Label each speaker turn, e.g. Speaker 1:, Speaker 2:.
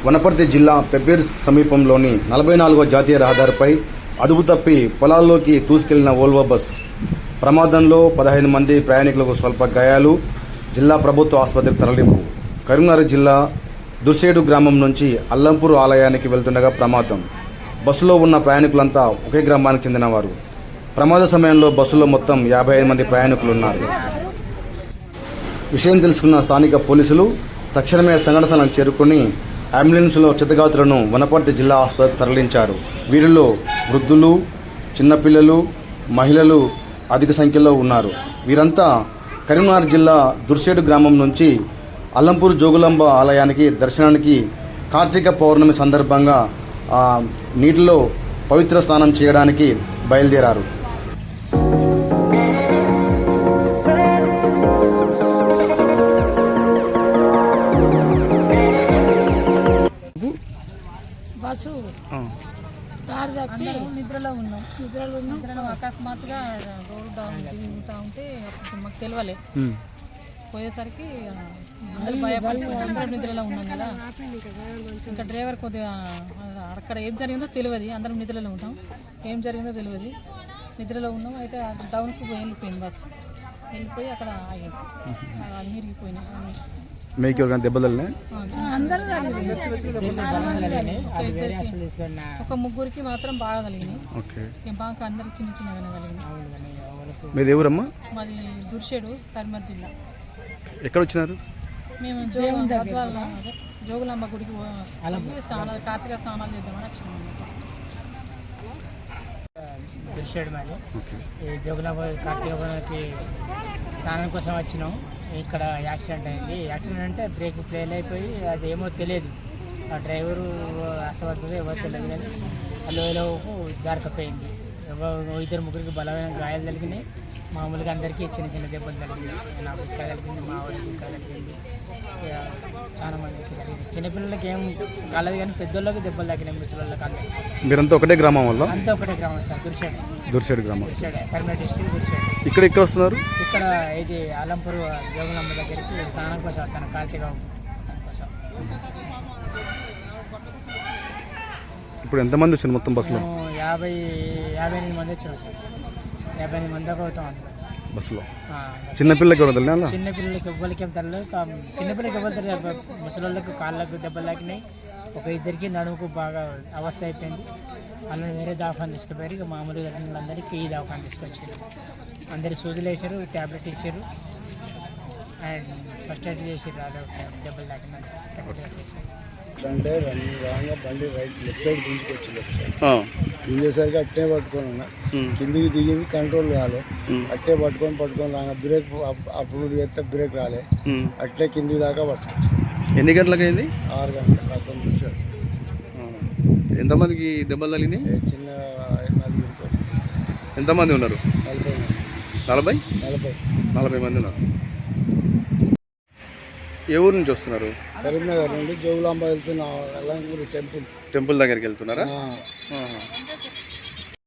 Speaker 1: వనపర్తి జిల్లా పెబ్బేరు సమీపంలోని 44వ జాతీయ రహదారిపై అదుపు తప్పి పొలాల్లోకి దూసుకెళ్లిన వోల్వో బస్ ప్రమాదంలో 15 మంది ప్రయాణికులకు స్వల్ప గాయాలు. జిల్లా ప్రభుత్వ ఆసుపత్రికి తరలింపు. కరీంనగర్ జిల్లా దుర్సేడు గ్రామం నుంచి అల్లంపూర్ ఆలయానికి వెళ్తుండగా ప్రమాదం. బస్సులో ఉన్న ప్రయాణికులంతా ఒకే గ్రామానికి చెందినవారు. ప్రమాద సమయంలో బస్సులో మొత్తం 55 మంది ప్రయాణికులున్నారు. విషయం తెలుసుకున్న స్థానిక పోలీసులు తక్షణమే సంఘటన స్థలానికి చేరుకుని అంబులెన్స్లో క్షతగాతులను వనపర్తి జిల్లా ఆసుపత్రికి తరలించారు. వీరిలో వృద్ధులు, చిన్నపిల్లలు, మహిళలు అధిక సంఖ్యలో ఉన్నారు. వీరంతా కరీంనగర్ జిల్లా దుర్సేడు గ్రామం నుంచి అల్లంపూర్ జోగులాంబ ఆలయానికి దర్శనానికి కార్తీక పౌర్ణమి సందర్భంగా నీటిలో పవిత్ర స్నానం చేయడానికి బయలుదేరారు.
Speaker 2: బస్సు కారు తప్పి నిద్రలో అకస్మాత్తుగా రోడ్ డౌన్ దిగుతూ ఉంటే మాకు తెలియలే. పోయేసరికి అందరూ భయపడి అందరం నిద్రలో ఉన్నాం కదా. ఇంకా డ్రైవర్ కొద్దిగా అక్కడ ఏం జరిగిందో తెలియదు. అందరం నిద్రలో ఉంటాం, ఏం జరిగిందో తెలియదు. నిద్రలో ఉన్నాం. అయితే డౌన్కి వెళ్ళిపోయింది బస్సు. వెళ్ళిపోయి అక్కడ ఆగింది. నీరిగిపోయినాయి.
Speaker 1: మీకు దెబ్బతలే
Speaker 2: ఒక ముగ్గురికి మాత్రం బాగా కలిగినాయి. బాగా అందరికి చిన్న చిన్నగానే కలిగినాయి.
Speaker 1: మీది ఎవరమ్మా?
Speaker 2: మాది దుర్షేడు, కరీంనగర్ జిల్లా.
Speaker 1: ఎక్కడ వచ్చినారు?
Speaker 2: మేము జోగులాంబ గుడికి కార్తీక స్నానాలు చేద్దామని వచ్చినాము.
Speaker 3: దుర్షేడు మాది. ఈ జోగులాంబ కార్తీక స్నానం కోసం వచ్చినాం. ఇక్కడ యాక్సిడెంట్ అయింది. యాక్సిడెంట్ అంటే బ్రేక్ ఫెయిల్ అయిపోయి అది ఏమో తెలియదు. ఆ డ్రైవరు అసమర్థుడు ఎవరు తెలియదు, కానీ అల్లోలోపు జారకపోయింది. ఇద్దరు ముగ్గురికి బలమైన గాయాలు తగిలినాయి. మామూలుగా అందరికీ చిన్న చిన్న దెబ్బలు తగిలినాయి. నాకు ఇంకా తగిలింది, మా వాడికి ఇంకా తగిలింది. చాలా మందికి తగిలింది. చిన్నపిల్లలకి ఏం కాలేదు, కానీ పెద్దోళ్ళకి దెబ్బలు తగినాయి. ముసలిళ్ళకి అందరికీ.
Speaker 1: మీరంతా ఒకటే గ్రామం వల్ల?
Speaker 3: అంతా ఒకటే గ్రామం సార్, దుర్షేడు
Speaker 1: గ్రామం.
Speaker 3: కరీంనగర్ డిస్ట్రిక్ట్ దుర్షేడు.
Speaker 1: ఇక్కడ వస్తున్నారు?
Speaker 3: ఇక్కడ ఇది అల్లంపూర్ జోగులాంబ దగ్గరికి స్నానం కోసం వస్తాను, కార్తీక కోసం.
Speaker 1: ఇప్పుడు ఎంతమంది వచ్చారు మొత్తం బస్సులో?
Speaker 3: 58 మంది వచ్చారు సార్. 58 మంది దాకా అవుతాం
Speaker 1: బస్సులో. చిన్నపిల్లలకి ఎవరు?
Speaker 3: చిన్నపిల్లలకి ఎవ్వరికి ఏం తరలేదు. చిన్నపిల్లలకి ఎవరు తెలియదు. ముసలిళ్ళకి కాళ్ళకు దెబ్బలు తాకినాయి. ఒక ఇద్దరికి నడుముకు బాగా అవస్థ అయిపోయింది. వాళ్ళని వేరే దవాఖాన తీసుకుపోయారు. ఇక మామూలుగా అందరికీ ఈ దవాఖాన తీసుకొచ్చారు. అందరికి సూదులు వేసారు, ట్యాబ్లెట్ ఇచ్చారు, అండ్ ఫస్ట్ ఎయిడ్ చేసారు. దెబ్బలు తాకిన
Speaker 4: అంటే రాగా బండి లెఫ్ట్ సైడ్ దించుకొచ్చింది. దించేసరికి అట్టే పట్టుకొని ఉన్నా. కిందికి దిగింది, కంట్రోల్ రాలే. అట్టే పట్టుకొని రాగా బ్రేక్ అప్పుడు చేస్తే బ్రేక్ రాలే. అట్లే కింది దాకా పట్టుకొచ్చి.
Speaker 1: ఎన్ని గంటలకు అయింది?
Speaker 4: 6 గంటలకు. అతను చూశాడు.
Speaker 1: ఎంతమందికి దెబ్బలు తగిలినాయి?
Speaker 4: చిన్న 4
Speaker 1: ఎంతమంది ఉన్నారు?
Speaker 4: 40
Speaker 1: మంది ఉన్నారు. ఏ ఊరు నుంచి వస్తున్నారు?
Speaker 4: కరీంనగర్ నుండి జోగులాంబ వెళ్తున్నా. టెంపుల్
Speaker 1: దగ్గరికి వెళ్తున్నారా?